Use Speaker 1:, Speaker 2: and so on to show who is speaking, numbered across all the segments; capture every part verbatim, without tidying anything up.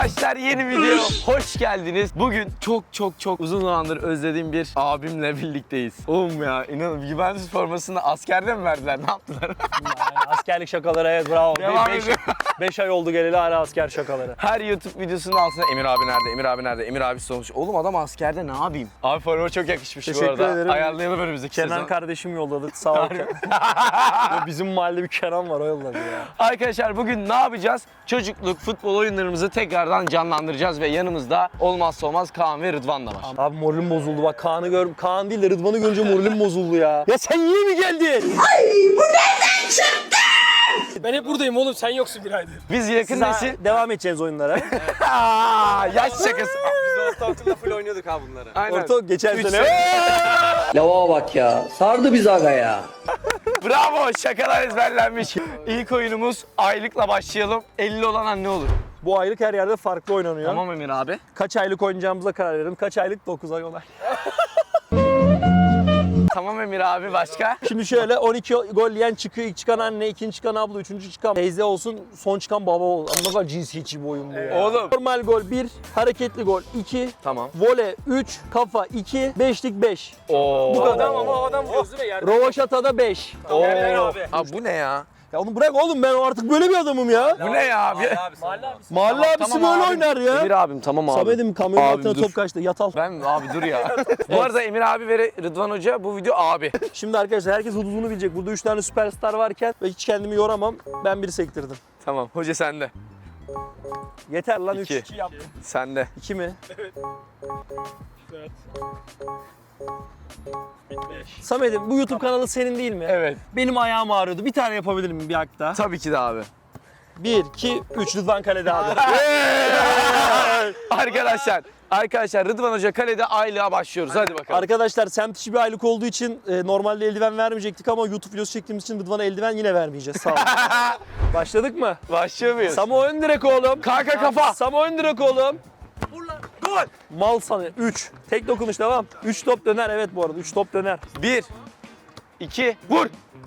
Speaker 1: Arkadaşlar yeni video hoş geldiniz. Bugün çok çok çok uzun zamandır özlediğim bir abimle birlikteyiz. Oğlum ya inanın Juventus formasını askerde mi verdiler? Ne yaptılar?
Speaker 2: Yani askerlik şakaları, evet, bravo.
Speaker 1: Devam
Speaker 2: beş,
Speaker 1: ediyor.
Speaker 2: beş ay oldu geleli hala asker şakaları.
Speaker 1: Her YouTube videosunun altında Emir abi nerede? Emir abi nerede? Emir abi olmuş. Oğlum adam askerde ne yapayım? Abi forma çok yakışmış bu
Speaker 2: Teşekkür
Speaker 1: arada.
Speaker 2: ederim.
Speaker 1: Ayarlayalım önümüzdeki
Speaker 2: Kenan
Speaker 1: sezon.
Speaker 2: kardeşim yolladı, sağ ol. Ya bizim mahallede bir Kenan var, o yolladı ya.
Speaker 1: Arkadaşlar bugün ne yapacağız? Çocukluk futbol oyunlarımızı tekrardan canlandıracağız ve yanımızda olmazsa olmaz Kaan ve Rıdvan da var.
Speaker 2: Abi moralim bozuldu bak, Kaan'ı gör, Kaan değil de Rıdvan'ı görünce moralim bozuldu ya. Ya sen yine mi geldin?
Speaker 3: Ay bu nereden çıktı?
Speaker 4: Ben hep buradayım oğlum, sen yoksun bir aydır.
Speaker 1: Biz yakın
Speaker 2: Siz
Speaker 1: nesil...
Speaker 2: devam edeceğiz oyunlara.
Speaker 1: Aa, yaş şakası.
Speaker 4: Biz ortaokulda full oynuyorduk ha bunları.
Speaker 1: Aynen.
Speaker 2: Orta geçen
Speaker 1: Üç
Speaker 2: sene.
Speaker 5: Lava bak ya. Sardı bizi aga ya.
Speaker 1: Bravo, şakalar ezberlenmiş. İlk oyunumuz aylıkla başlayalım. elli olan anne olur.
Speaker 2: Bu aylık her yerde farklı oynanıyor.
Speaker 1: Tamam Emir abi.
Speaker 2: Kaç aylık oynayacağımıza karar verelim. Kaç aylık? dokuz ay olay.
Speaker 1: Tamam Emir abi, başka?
Speaker 2: Şimdi şöyle on iki gol yiyen çıkıyor. İlk çıkan anne, ikinci çıkan abla, üçüncü çıkan teyze olsun, son çıkan baba olsun. Ama ne kadar cinsiyetçi bir oyun bu ya.
Speaker 1: Oğlum.
Speaker 2: Normal gol bir, hareketli gol iki,
Speaker 1: Tamam.
Speaker 2: vole üç, kafa iki, beşlik beş.
Speaker 1: Oo.
Speaker 2: Bu kadar.
Speaker 4: Adam ama o adam vuruyoruz değil mi? Yerde.
Speaker 2: Rovaşata'da beş.
Speaker 4: Yerden abi.
Speaker 1: Abi bu ne ya?
Speaker 2: Ya onu bırak oğlum, ben artık böyle bir adamım ya.
Speaker 1: Bu ne ya abi?
Speaker 4: Mahalle abi.
Speaker 2: Mahalle abisi böyle oynar ya.
Speaker 1: Emir abim tamam abi.
Speaker 2: Samet'im kamyonun
Speaker 1: Abim,
Speaker 2: altına
Speaker 1: dur.
Speaker 2: top kaçtı, yat al.
Speaker 1: Ben abi dur ya. Bu arada Emir abi ve Rıdvan Hoca bu video abi.
Speaker 2: Şimdi arkadaşlar herkes hududunu bilecek. Burada üç tane süperstar varken ve hiç kendimi yoramam. Ben biri sektirdim.
Speaker 1: Tamam, hoca sende.
Speaker 2: Yeter lan üç.
Speaker 1: İki. Sende.
Speaker 2: iki mi? Samet'im bu YouTube kanalı senin değil mi?
Speaker 1: Evet.
Speaker 2: Benim ayağım ağrıyordu. Bir tane yapabilir miyim bir hak daha?
Speaker 1: Tabii ki de abi.
Speaker 2: Bir, iki, üç. Rıdvan kalede abi.
Speaker 1: Arkadaşlar, arkadaşlar Rıdvan Hoca kalede aylığa başlıyoruz. Hadi bakalım.
Speaker 2: Arkadaşlar semt içi bir aylık olduğu için e, normalde eldiven vermeyecektik ama YouTube videosu çektiğimiz için Rıdvan'a eldiven yine vermeyeceğiz. Sağ olun. Başladık mı?
Speaker 1: Başlıyor muyuz?
Speaker 2: Samo ön direk oğlum.
Speaker 1: Kanka kafa.
Speaker 2: Samo ön direk oğlum.
Speaker 1: Gol.
Speaker 2: Mal sana. üç. Tek dokunuş devam. üç top döner, evet bu arada. üç top döner.
Speaker 1: Bir. iki. Vur.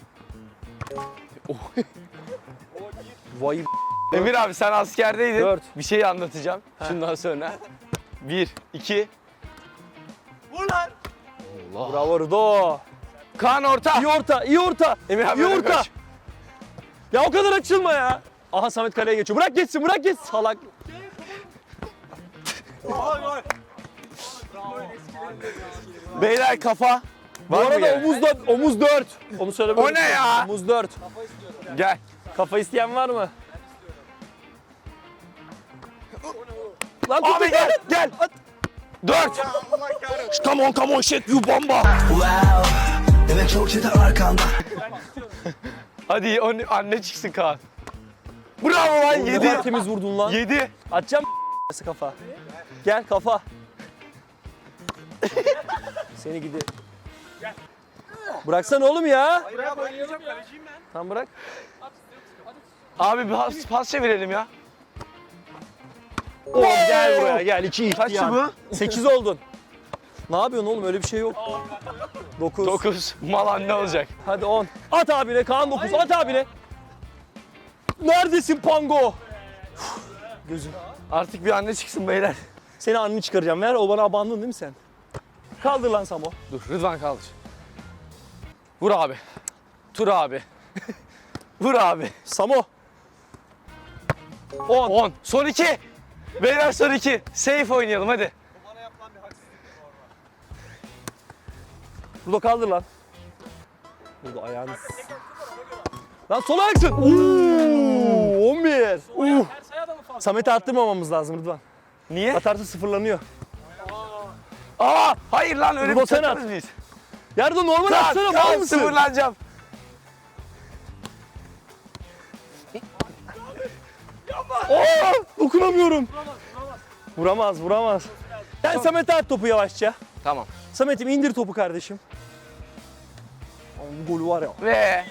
Speaker 2: Vay
Speaker 1: Emir abi sen askerdeydin.
Speaker 2: Dört.
Speaker 1: Bir şey anlatacağım şundan sonra. Bir. iki. Vur lan. Allah.
Speaker 2: bravo Rıdo.
Speaker 1: Kaan orta.
Speaker 2: İyi orta, iyi orta.
Speaker 1: Emir abi
Speaker 2: İyi
Speaker 1: öne
Speaker 2: orta.
Speaker 1: koş.
Speaker 2: Ya o kadar açılma ya. Aha Samet kaleye geçiyor. Bırak geçsin, bırak geçsin. Salak.
Speaker 1: Beyler kafa.
Speaker 2: Bu
Speaker 1: Var mı
Speaker 2: arada
Speaker 1: gene?
Speaker 2: omuz da, omuz dört. Onu söyle.
Speaker 1: O ne ya?
Speaker 2: Omuz dört.
Speaker 1: Gel.
Speaker 2: Kafa isteyen var mı? Lan tut,
Speaker 1: Abi
Speaker 2: tut,
Speaker 1: gel
Speaker 2: tut.
Speaker 1: gel. Dört. Come on come on shit you bomba.
Speaker 3: Evet çok çete arkanda.
Speaker 1: Hadi o- anne çıksın Kaan. Bravo lan
Speaker 2: Ne
Speaker 1: yedi.
Speaker 2: kadar temiz vurdun lan.
Speaker 1: Yedi.
Speaker 2: Atacağım kafa. Gel kafa. Seni gidi. Bıraksana oğlum ya. Tamam bırak.
Speaker 1: Abi bir pas, pas çevirelim ya.
Speaker 2: Oğlum gel buraya gel. İki
Speaker 1: Kaçtı
Speaker 2: ihtiyar. Sekiz oldun. Ne yapıyorsun oğlum, öyle bir şey yok. Dokuz.
Speaker 1: Dokuz. Mal anne olacak.
Speaker 2: Hadi on. At abine Kaan dokuz. At abine. Neredesin Pango? Gözüm.
Speaker 1: Artık bir anne çıksın beyler.
Speaker 2: Seni anneni çıkaracağım. Ver, o bana abandın değil mi sen? Kaldır lan Samo.
Speaker 1: Dur Rıdvan kaldır. Vur abi. Tur abi. Vur abi.
Speaker 2: Samo. on.
Speaker 1: On. Son iki. Beyler son iki. Safe oynayalım hadi.
Speaker 2: Burada kaldır lan. Burada ayağını... Lan sol ayaksın. Uuu, on bir. Uh. Samet'i attırmamamız lazım Rıdvan.
Speaker 1: Niye?
Speaker 2: Atarsa sıfırlanıyor.
Speaker 1: Aa, hayır lan öyle
Speaker 2: Rıdvan
Speaker 1: bir
Speaker 2: sen
Speaker 1: takımız
Speaker 2: at.
Speaker 1: biz.
Speaker 2: Yerde normal
Speaker 1: Kaan,
Speaker 2: atsana, mal
Speaker 1: Kaan
Speaker 2: mısın?
Speaker 1: sıfırlanacağım.
Speaker 2: Aa, dokunamıyorum. Vuramaz, vuramaz. Sen Samet'e at topu yavaşça.
Speaker 1: Tamam.
Speaker 2: Samet'im indir topu kardeşim. Ama bu golü var ya.
Speaker 1: Ve...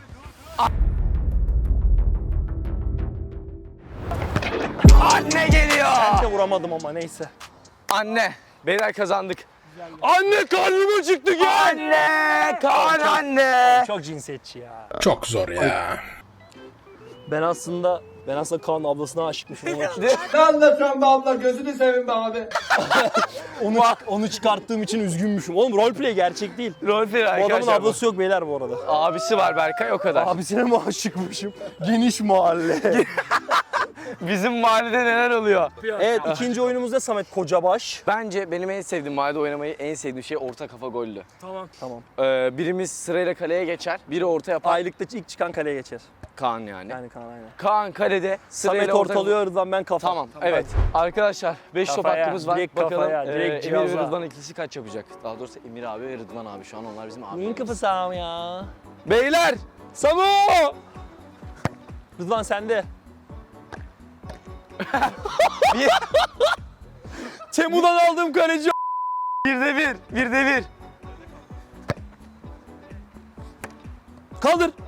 Speaker 1: Anne geliyor.
Speaker 2: Bence vuramadım ama neyse.
Speaker 1: Anne. Beyler kazandık.
Speaker 2: Anne karnım acıktı gel.
Speaker 1: Anne. Kaan anne.
Speaker 2: Çok cinsiyetçi ya.
Speaker 6: Çok zor ya.
Speaker 2: Ben aslında Ben aslında Kaan'ın ablasına aşıkmışım ama
Speaker 5: Ne anlatıyorsun be abla gözünü seveyim be abi.
Speaker 2: onu, onu çıkarttığım için üzgünmüşüm. Oğlum roleplay gerçek değil.
Speaker 1: Roleplay
Speaker 2: Bu adamın
Speaker 1: arkadaşlar. bu.
Speaker 2: ablası yok beyler bu arada.
Speaker 1: Abisi var Berkay o kadar.
Speaker 2: Abisine mi aşıkmışım? Geniş mahalle.
Speaker 1: Bizim mahallede neler oluyor?
Speaker 2: Evet ikinci oyunumuzda Samet Kocabaş.
Speaker 1: Bence benim en sevdiğim mahallede oynamayı en sevdiğim şey orta kafa gollü.
Speaker 4: Tamam.
Speaker 2: Tamam.
Speaker 1: Ee, birimiz sırayla kaleye geçer, biri orta yapar.
Speaker 2: Aylıkta ilk çıkan kaleye geçer.
Speaker 1: Kaan yani.
Speaker 2: Yani Kaan aynen.
Speaker 1: Kaan kalede sırayla
Speaker 2: Samet
Speaker 1: orta-
Speaker 2: ortalıyor Rıdvan ben kafa.
Speaker 1: Tamam, evet. Arkadaşlar beş top
Speaker 2: Kafaya,
Speaker 1: hakkımız var.
Speaker 2: direkt
Speaker 1: Bakalım
Speaker 2: kafaya,
Speaker 1: e,
Speaker 2: direkt
Speaker 1: Emir ve
Speaker 2: cihaza.
Speaker 1: Rıdvan ikisi kaç yapacak? Daha doğrusu Emir abi ve Rıdvan abi şu an onlar bizim
Speaker 2: Neyin
Speaker 1: abi.
Speaker 2: kafası abi ya?
Speaker 1: Beyler!
Speaker 2: Samo! Rıdvan sende.
Speaker 1: Bir,
Speaker 2: Temu'dan aldığım kaleci.
Speaker 1: bir de bir, bir de bir.
Speaker 2: Kaldır.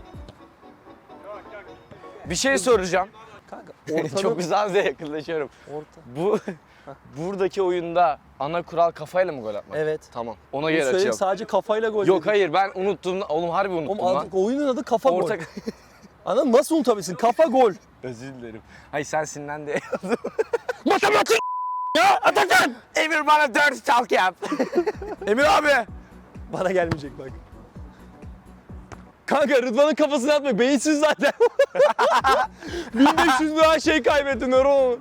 Speaker 1: Bir şey soracağım.
Speaker 2: Kanka
Speaker 1: Çok
Speaker 2: ortanın...
Speaker 1: güzel yakınlaşıyorum.
Speaker 2: Orta.
Speaker 1: Bu buradaki oyunda ana kural kafayla mı gol atmak?
Speaker 2: Evet.
Speaker 1: Tamam. Ona
Speaker 2: Bunu
Speaker 1: göre
Speaker 2: söyleyeyim,
Speaker 1: açıyorum.
Speaker 2: sadece kafayla gol
Speaker 1: Yok
Speaker 2: yedik.
Speaker 1: hayır ben unuttum. Oğlum harbi unuttum
Speaker 2: Oğlum
Speaker 1: lan.
Speaker 2: artık oyunun adı kafa
Speaker 1: Orta...
Speaker 2: gol. Anladın mı? Nasıl unutabilirsin? Kafa gol.
Speaker 1: Özür dilerim. Hayır sen sinirlen de.
Speaker 2: Matematik ya Atakan.
Speaker 1: Emir bana dört talk yap. Emir abi.
Speaker 2: Bana gelmeyecek bak. Kanka Rıdvan'ın kafasını atma. Beyinsiz zaten. bin beş yüz lira şey kaybettin nöron.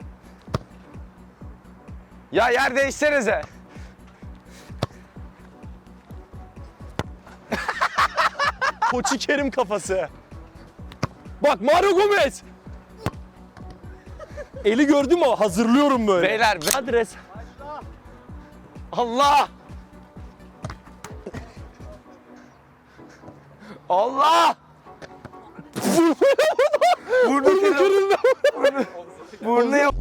Speaker 1: Ya yer değişsenize.
Speaker 2: Koçi Kerim kafası. Bak Mario Gomez. Eli gördün mü? Hazırlıyorum böyle.
Speaker 1: Beyler.
Speaker 2: Adres.
Speaker 1: Allah. Allah. Burnu kırıldı. Burnu. Burnu yap.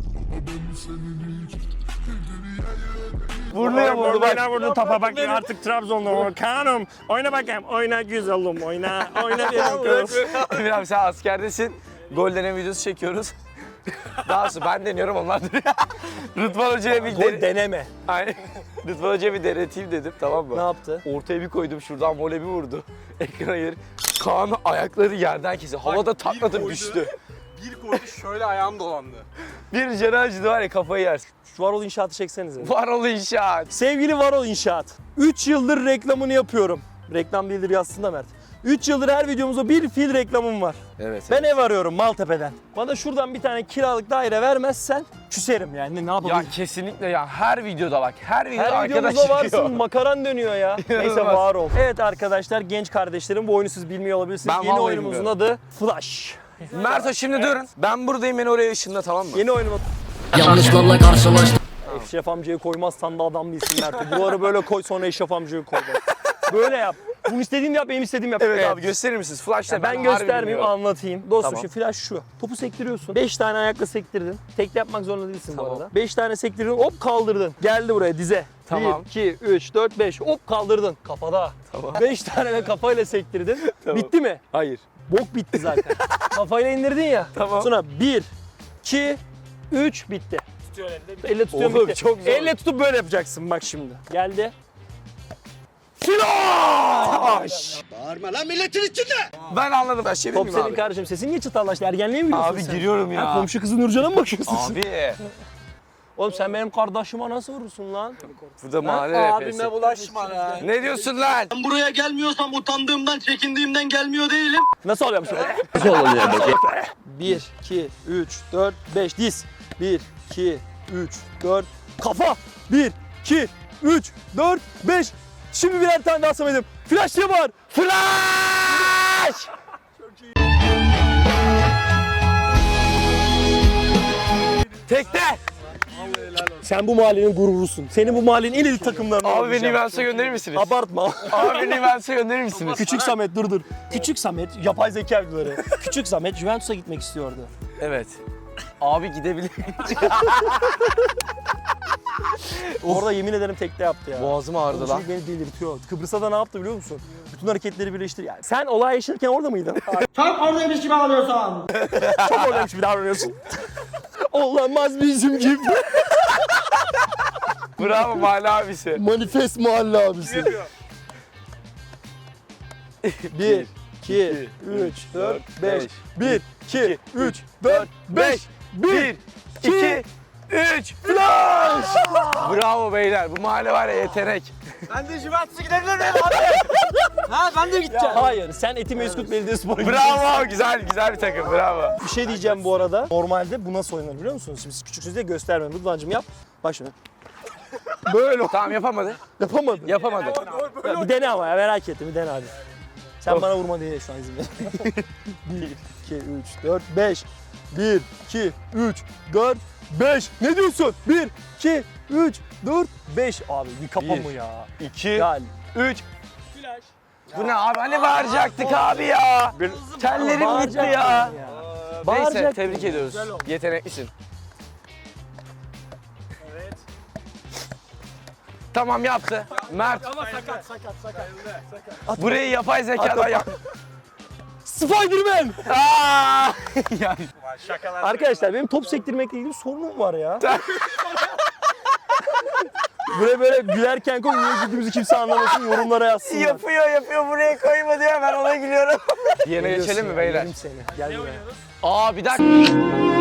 Speaker 1: Burnu yapıldı bak.
Speaker 6: Oyna vurdu topa bak artık Trabzon'da o. Kaan'ım oyna bakayım. Oyna güzelim oyna. Oyna benim kız.
Speaker 1: Emir abi sen askerdesin. Gol deneme videosu çekiyoruz. Daha sonra ben deniyorum onlar duruyor. Rıdvan Hoca'ya bir
Speaker 2: Gol
Speaker 1: dene...
Speaker 2: deneme.
Speaker 1: Aynen. Rıdvan Hoca'ya bir deneteyim dedim tamam mı?
Speaker 2: Ne yaptı?
Speaker 1: Ortaya bir koydum şuradan voley bir vurdu. Ekrana yer. Kaan'ın ayakları yerden kesti. Havada taklatıp düştü.
Speaker 4: Bir koydu şöyle ayağım dolandı.
Speaker 1: Bir canı acıdı var ya kafayı yersin.
Speaker 2: Şu Varol İnşaat'ı çeksenize.
Speaker 1: Varol İnşaat.
Speaker 2: Sevgili Varol İnşaat. üç yıldır reklamını yapıyorum. Reklam değildir yazsın da Mert. üç yıldır her videomuzda bir fil reklamım var.
Speaker 1: Evet.
Speaker 2: Ben ev arıyorum Maltepe'den. Bana şuradan bir tane kiralık daire vermezsen küserim yani ne yapabilirim?
Speaker 1: Ya kesinlikle ya her videoda bak her videoda
Speaker 2: Her
Speaker 1: arkadaş
Speaker 2: videomuzda
Speaker 1: çıkıyor.
Speaker 2: varsın makaran dönüyor ya. Neyse
Speaker 1: İnanılmaz.
Speaker 2: var ol. Evet arkadaşlar genç kardeşlerim bu oyunu siz bilmiyor olabilirsiniz.
Speaker 1: Ben
Speaker 2: Yeni
Speaker 1: vallahi
Speaker 2: oyunumuzun adı Flash.
Speaker 1: Merto şimdi durun. Ben buradayım beni oraya ışınla tamam mı?
Speaker 2: Yeni oyunumuz...
Speaker 5: Yanlışlarla karşılaştım.
Speaker 2: Eşref amcayı koymazsan da adam değilsin Mert. Buraları böyle koy sonra Eşref amcayı koy. bak. Böyle yap. Bunu istediğini yap benim istediğimi yap.
Speaker 1: Evet, abi gösterir misiniz? Flash'ta
Speaker 2: Ya ben
Speaker 1: harbi
Speaker 2: göstermeyeyim
Speaker 1: bilmiyorum.
Speaker 2: anlatayım. Dostum
Speaker 1: Tamam.
Speaker 2: şu flash şu. Topu sektiriyorsun. beş tane ayakla sektirdin. Tekli yapmak zorunda değilsin
Speaker 1: Tamam.
Speaker 2: bu arada. beş tane sektirdin hop kaldırdın. Geldi buraya dize.
Speaker 1: Tamam.
Speaker 2: bir, iki, üç, dört, beş hop kaldırdın. Kafada.
Speaker 1: Tamam.
Speaker 2: beş tane de kafayla sektirdin.
Speaker 1: Tamam.
Speaker 2: Bitti mi?
Speaker 1: Hayır.
Speaker 2: Bok bitti zaten. Kafayla indirdin ya.
Speaker 1: Tamam.
Speaker 2: Sonra bir, iki, üç bitti.
Speaker 4: Tutuyor elinde.
Speaker 2: Elle tutuyorum
Speaker 1: Oğlum,
Speaker 2: bitti.
Speaker 1: çok zor.
Speaker 2: Elle tutup böyle yapacaksın bak şimdi. Geldi. Flash!
Speaker 1: Ben anladım. Ben şey
Speaker 2: Top
Speaker 1: bilmiyorum
Speaker 2: senin
Speaker 1: abi.
Speaker 2: kardeşim. Sesin niye çıtarlaştı? Ergenliğe mi giriyorsun
Speaker 1: Abi
Speaker 2: sen?
Speaker 1: giriyorum ya.
Speaker 2: Ha, komşu kızı Nurcan'a mı bakıyorsun sen?
Speaker 1: Abi.
Speaker 2: Oğlum sen benim kardeşime nasıl vurursun lan?
Speaker 1: Burada mahalle
Speaker 5: Abime
Speaker 1: rapesi.
Speaker 5: bulaşma lan.
Speaker 1: Ne diyorsun lan?
Speaker 5: Ben buraya gelmiyorsam utandığımdan, çekindiğimden gelmiyor değilim.
Speaker 2: Nasıl oluyormuş öyle? bir, iki, üç, dört, beş diz. bir, iki, üç, dört, kafa. bir, iki, üç, dört, beş. Şimdi birer tane daha Samet'im. Flash diye bağır. Flash!
Speaker 1: Tekte.
Speaker 2: Sen bu mahallenin gururusun. Senin bu mahallenin en iyi takımlarından
Speaker 1: Abi beni
Speaker 2: olacağım.
Speaker 1: Nivens'e gönderir misiniz?
Speaker 2: Abartma.
Speaker 1: Abi beni Nivens'e gönderir misiniz?
Speaker 2: Küçük Samet dur dur. Küçük Samet yapay zeka videoları. Küçük Samet Juventus'a gitmek istiyordu.
Speaker 1: Evet. Abi gidebilir.
Speaker 2: Orada yemin ederim tekte yaptı ya.
Speaker 1: Boğazım ağrıdı
Speaker 2: Bu
Speaker 1: lan.
Speaker 2: çocuk beni delirtiyor. Kıbrıs'a da ne yaptı biliyor musun? Bütün hareketleri birleştir. Yani sen olay yaşarken orada mıydın?
Speaker 5: Tam oradaymış gibi ağlıyorsan.
Speaker 2: Çok oradaymış bir davranıyorsun. Olamaz bizim gibi.
Speaker 1: Bravo mahalle abisi.
Speaker 2: Manifest mahalle abisi. Bir, iki, üç, dört, beş. bir, iki, üç, dört, beş.
Speaker 1: bir, iki, üç, flash! Bravo beyler, bu mahalle var ya yetenek.
Speaker 4: Ben de Juventus'a gidebilir miyim abi? Ha ben de gideceğim.
Speaker 2: Hayır, sen Etimesgut Belediyespor'a gidiyorsun.
Speaker 1: Bravo, güzel güzel bir takım, bravo.
Speaker 2: Bir şey diyeceğim bu arada. Normalde bu nasıl oynanır biliyor musunuz? Şimdi siz küçüksünüz diye göstermiyorum. Rıdvan'cığım yap. Bak şimdi. Böyle
Speaker 1: Tamam yapamadı,
Speaker 2: yapamadı.
Speaker 1: yapamadı.
Speaker 2: Ya bir dene ama ya, merak ettim. Bir dene hadi. Sen bana vurma diye şu an izin ver. bir, iki, üç, dört, beş. bir, iki, üç, dört, beş. Ne diyorsun? bir, iki, üç, dört, beş. Abi bir kafa
Speaker 1: Bir.
Speaker 2: mı ya?
Speaker 1: iki,
Speaker 2: Gel.
Speaker 1: üç. Bu ne abi, hani bağıracaktık abi ya. Tellerim gitti
Speaker 2: Bağıracaktın
Speaker 1: ya. Neyse,
Speaker 2: Bağıracaktın.
Speaker 1: tebrik ediyoruz. Yeteneklisin. Tamam yaptı. Mert.
Speaker 4: Ama sakat sakat sakat. sakat.
Speaker 1: Burayı yapay zekadan yap.
Speaker 2: Spiderman!
Speaker 1: Aa! Ya,
Speaker 4: Şakalar.
Speaker 2: Arkadaşlar benim top sektirmekle ilgili bir sorunum var ya. Buraya böyle gülerken koy, niye güldüğümüzü kimse anlamasın, yorumlara yazsınlar.
Speaker 1: yapıyor yapıyor, buraya koyma diyor, ben ona gülüyorum. Diğerine
Speaker 2: Geliyorsun
Speaker 1: geçelim mi
Speaker 2: ya,
Speaker 1: beyler?
Speaker 2: yerim seni. Gel buraya.
Speaker 1: Aa bir dakika.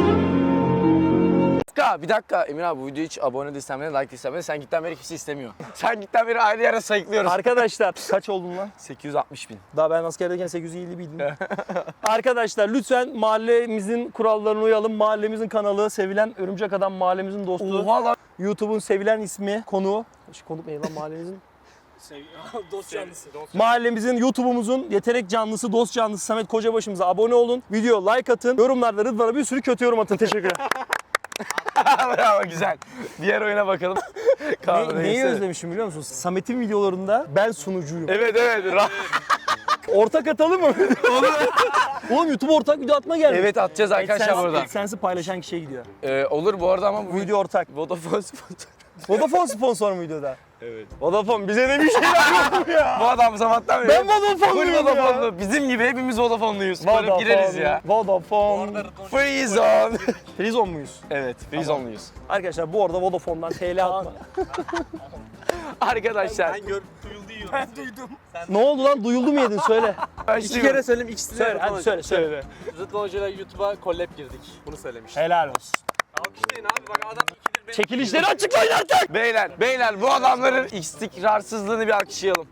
Speaker 1: Bir dakika, bir dakika. Emir abi bu videoyu hiç abone de istemedi, like de istemedi. Sen gitten beri kimse istemiyor. Sen gitten beri ayrı yere sayıklıyoruz.
Speaker 2: Arkadaşlar kaç oldun lan?
Speaker 1: sekiz yüz altmış bin.
Speaker 2: Daha ben askerdeyken sekiz yüz elli biydim. Arkadaşlar lütfen mahallemizin kurallarına uyalım. Mahallemizin kanalı, sevilen Örümcek Adam mahallemizin dostu.
Speaker 1: Oha lan.
Speaker 2: YouTube'un sevilen ismi, konuğu. Şu konuk ne lan mahallemizin?
Speaker 4: Dost canlısı.
Speaker 2: Mahallemizin, YouTube'umuzun yetenek canlısı, dost canlısı Samet Kocabaşımıza abone olun. Video like atın. Yorumlarda Rıdvan'a bir sürü kötü yorum atın. Teşekkürler.
Speaker 1: Bravo, güzel. Diğer oyuna bakalım. Kaan,
Speaker 2: ne, neyi
Speaker 1: neyse.
Speaker 2: özlemişim biliyor musun? Samet'in videolarında ben sunucuyum.
Speaker 1: Evet evet. Ra-
Speaker 2: Ortak atalım mı? Oğlum YouTube ortak video atma gelmiş.
Speaker 1: evet atacağız arkadaşlar
Speaker 2: AdSense-
Speaker 1: burada.
Speaker 2: AdSense'i paylaşan kişiye gidiyor.
Speaker 1: Ee, olur bu arada ama bu
Speaker 2: Bu video ortak.
Speaker 1: Vodafone sponsor.
Speaker 2: Vodafone sponsor mu videoda?
Speaker 1: Evet.
Speaker 2: Vodafone bize de bir şeyler yok mu ya?
Speaker 1: Bu adam sabahtan beri.
Speaker 2: Ben Vodafone'luyum
Speaker 1: Full
Speaker 2: ya.
Speaker 1: Vodafone'lu. Bizim gibi hepimiz Vodafone'luyuz. Böyle gireriz ya.
Speaker 2: Vodafone.
Speaker 1: Free zone.
Speaker 2: Prizon muyuz?
Speaker 1: Evet, free zone'luyuz.
Speaker 2: Arkadaşlar bu arada Vodafone'dan T L atma.
Speaker 1: Arkadaşlar.
Speaker 4: Ben gör duyuldu yiyorum. Ben duydum.
Speaker 2: Ne oldu lan? Duyuldu mu yedin? Söyle.
Speaker 4: İki kere söyleyeyim, ikisi de
Speaker 2: Söyle
Speaker 4: Rıdvan
Speaker 2: hadi
Speaker 4: Hoca.
Speaker 2: söyle söyle.
Speaker 4: Rıdvan Hoca'yla YouTube'a collab girdik. Bunu söylemiştim.
Speaker 2: Helal olsun.
Speaker 4: Alkışlayın abi, bak adam ikidir benim.
Speaker 2: Çekilişleri açıklayın artık.
Speaker 1: Beyler, beyler bu adamların istikrarsızlığını bir alkışlayalım.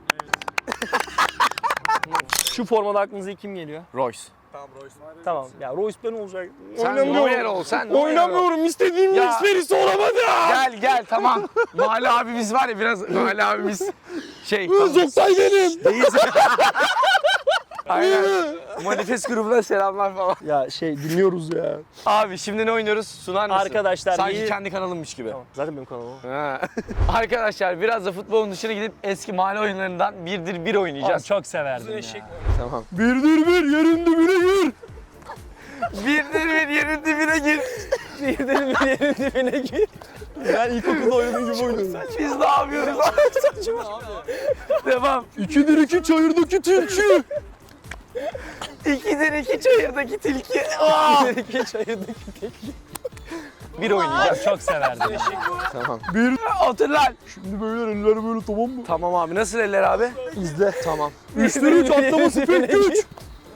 Speaker 2: Şu formada aklınıza kim geliyor?
Speaker 1: Royce.
Speaker 4: Tamam Royce.
Speaker 2: Tamam. Ya Royce ben olacak.
Speaker 1: Sen Neuer ol, sen Neuer ol.
Speaker 2: Oynamıyorum. İstediğim
Speaker 1: Ya.
Speaker 2: Mesperisi olamadı.
Speaker 1: Gel gel tamam. Mahalle abimiz var ya, biraz mahalle abimiz şey.
Speaker 2: Zoktay benim.
Speaker 1: Değilse. Aynen. Manifest grubuna selamlar falan.
Speaker 2: Ya şey dinliyoruz ya.
Speaker 1: Abi şimdi ne oynuyoruz? Sunar mısın?
Speaker 2: Arkadaşlar,
Speaker 1: Sanki
Speaker 2: iyi-
Speaker 1: kendi kanalımmış gibi.
Speaker 2: Tamam. Zaten benim kanalım.
Speaker 1: Ha. Arkadaşlar biraz da futbolun dışına gidip eski mahalle oyunlarından birdir bir oynayacağız.
Speaker 2: Çok severdim
Speaker 4: Eşek.
Speaker 2: ya.
Speaker 1: Tamam.
Speaker 2: Birdir bir yerin dibine gir.
Speaker 1: Birdir bir yerin dibine gir.
Speaker 2: Birdir bir yerin dibine gir. Ben ilkokulda oynadığım gibi oynadım.
Speaker 1: Biz ne yapıyoruz? Saçma. Devam.
Speaker 2: İkidir iki çayırdaki tilki.
Speaker 1: İkidir iki çayırdaki tilki. Aa!
Speaker 2: İki çayırdaki tilki.
Speaker 1: Bir oynayacağız.
Speaker 2: Çok severdim.
Speaker 1: Tamam. Bir. Otur lan.
Speaker 2: Şimdi böyle eller böyle tamam mı?
Speaker 1: Tamam abi. Nasıl eller abi?
Speaker 2: İzle.
Speaker 1: Tamam.
Speaker 2: Üçtür üç atlaması pek güç.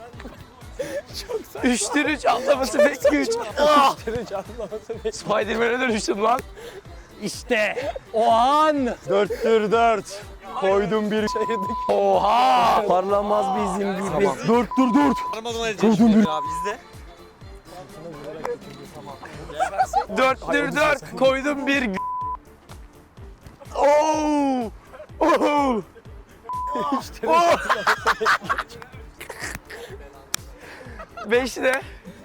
Speaker 1: Üçtür üç atlaması pek güç. Ah! Spiderman'e dönüştüm lan.
Speaker 2: İşte o an. Dörttür dört. Koydum bir çayırdık.
Speaker 1: Oha!
Speaker 2: Parlamaz bizim gibi.
Speaker 1: Tamam.
Speaker 2: Dörttür dört.
Speaker 4: Parmadan edeceğim şimdi abi, izle.
Speaker 1: Dörttür dört. Koydum bir g- Oo! Oo! Oo! Beş ne?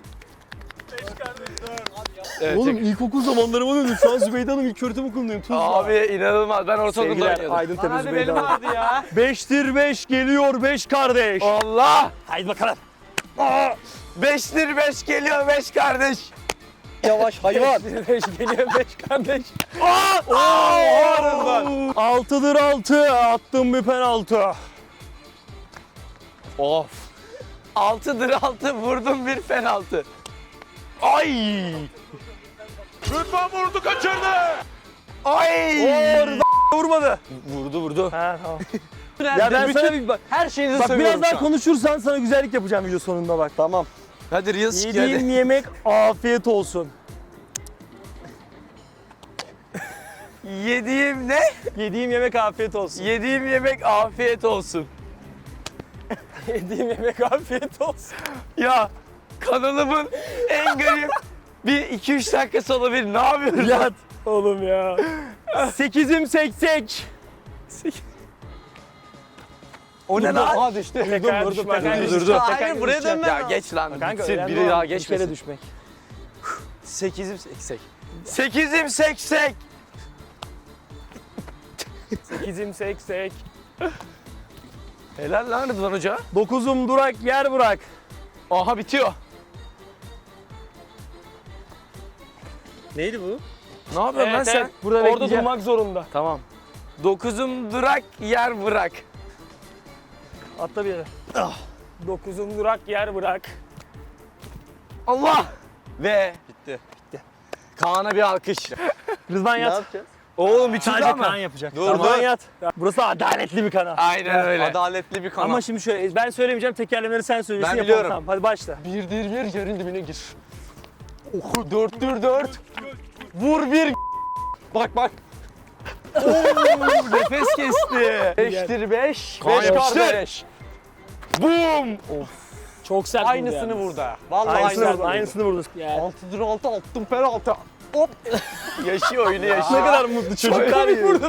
Speaker 1: Evet,
Speaker 2: Oğlum
Speaker 1: tek-
Speaker 2: ilkokul zamanlarıma döndüm. Şu an Zübeyde Hanım ilköğretim okulundayım. Tuzla.
Speaker 1: Abi inanılmaz. Ben ortaokulda
Speaker 2: Sevgiler
Speaker 1: oynuyordum.
Speaker 2: Aydın Tepe
Speaker 4: Hadi
Speaker 2: Zübeyde
Speaker 4: benim
Speaker 2: Hanım.
Speaker 4: vardı ya.
Speaker 2: Beştir beş geliyor beş kardeş.
Speaker 1: Allah!
Speaker 2: Haydi bakalım.
Speaker 1: Aa! Beştir beş geliyor beş kardeş.
Speaker 2: Yavaş hayvan. beş geliyor beş kardeş.
Speaker 1: Aa! Aa!
Speaker 2: Altıdır altı. Attım bir penaltı.
Speaker 1: Of. Altıdır altı, vurdum bir penaltı. Ay!
Speaker 4: Rıdvan vurdu, kaçırdı.
Speaker 1: Ay!
Speaker 2: Orada vurmadı.
Speaker 1: Vurdu vurdu.
Speaker 2: Ha tamam. Ya ben
Speaker 1: bütün-
Speaker 2: sana bir bak.
Speaker 1: Her şeyinizi
Speaker 2: Bak
Speaker 1: seviyorum
Speaker 2: biraz daha
Speaker 1: şu an.
Speaker 2: konuşursan sana güzellik yapacağım video sonunda bak.
Speaker 1: Tamam. Hadi Reels çık
Speaker 2: Yediğim
Speaker 1: hadi.
Speaker 2: yemek afiyet olsun.
Speaker 1: Yediğim ne?
Speaker 2: Yediğim yemek afiyet olsun.
Speaker 1: Yediğim yemek afiyet olsun.
Speaker 2: Yediğim yemek afiyet olsun.
Speaker 1: Ya kanalımın en garip bir iki üç dakikası olabilir. Ne yapıyorsun?
Speaker 2: Yat oğlum ya. Sekizim seksek.
Speaker 1: O ne lan?
Speaker 2: Aa düştü.
Speaker 6: Tekrar
Speaker 2: Durdum,
Speaker 6: düşmek,
Speaker 2: durdum,
Speaker 6: hayır,
Speaker 2: durdum.
Speaker 6: düşecek,
Speaker 1: Hayır
Speaker 6: tekrar
Speaker 1: buraya
Speaker 6: düşecek.
Speaker 1: dönme. Ya geç lan.
Speaker 2: Kanka
Speaker 1: Bitsin,
Speaker 2: önemli
Speaker 1: biri
Speaker 2: olan
Speaker 1: daha
Speaker 2: bir kere
Speaker 1: geçmesin.
Speaker 2: düşmek.
Speaker 1: Sekizim seksek. Sekizim seksek.
Speaker 2: Sekizim seksek.
Speaker 1: Helal lan Rıdvan Hoca.
Speaker 2: Dokuzum durak yer bırak.
Speaker 1: Aha bitiyor.
Speaker 2: Neydi bu?
Speaker 1: Ne yapıyorsun lan sen?
Speaker 2: Burada
Speaker 6: Orada
Speaker 2: bekleyeceğim.
Speaker 6: durmak zorunda.
Speaker 1: Tamam. Dokuzum durak yer bırak.
Speaker 2: Atla bir yere.
Speaker 6: Dokuzum durak yer bırak.
Speaker 1: Allah. Ve bitti. Bitti. Kaan'a bir alkış.
Speaker 2: Rıdvan yat.
Speaker 1: Oğlum bitirdi
Speaker 2: Sadece
Speaker 1: ama.
Speaker 2: Kaan yapacak.
Speaker 1: Dur,
Speaker 2: Rıdvan
Speaker 1: dur.
Speaker 2: yat. Burası adaletli bir kanal.
Speaker 1: Aynen öyle.
Speaker 4: Adaletli bir kanal.
Speaker 2: Ama şimdi şöyle ben söylemeyeceğim tekerlemeleri sen söylüyorsun.
Speaker 1: Ben
Speaker 2: yapalım,
Speaker 1: biliyorum.
Speaker 2: Tamam, hadi başla.
Speaker 1: Bir dir bir yerin dibine gir. Oku dörttür dört. Vur bir. Bak bak. Oo, nefes kesti. Beştir beş.
Speaker 4: Kaan
Speaker 1: Beş
Speaker 4: yapıştır.
Speaker 1: kardeş. Boom.
Speaker 2: Çok sert
Speaker 4: Aynısını vurdu ha. Vallahi
Speaker 2: Aynısını
Speaker 4: aynısını
Speaker 2: vurdu. Aynısını vurdu. Yani.
Speaker 4: Altıdır altı attım penaltı.
Speaker 1: Yaşıyor oyunu
Speaker 2: Ne
Speaker 1: yaşıyor.
Speaker 2: kadar mutlu çocuklar gibi.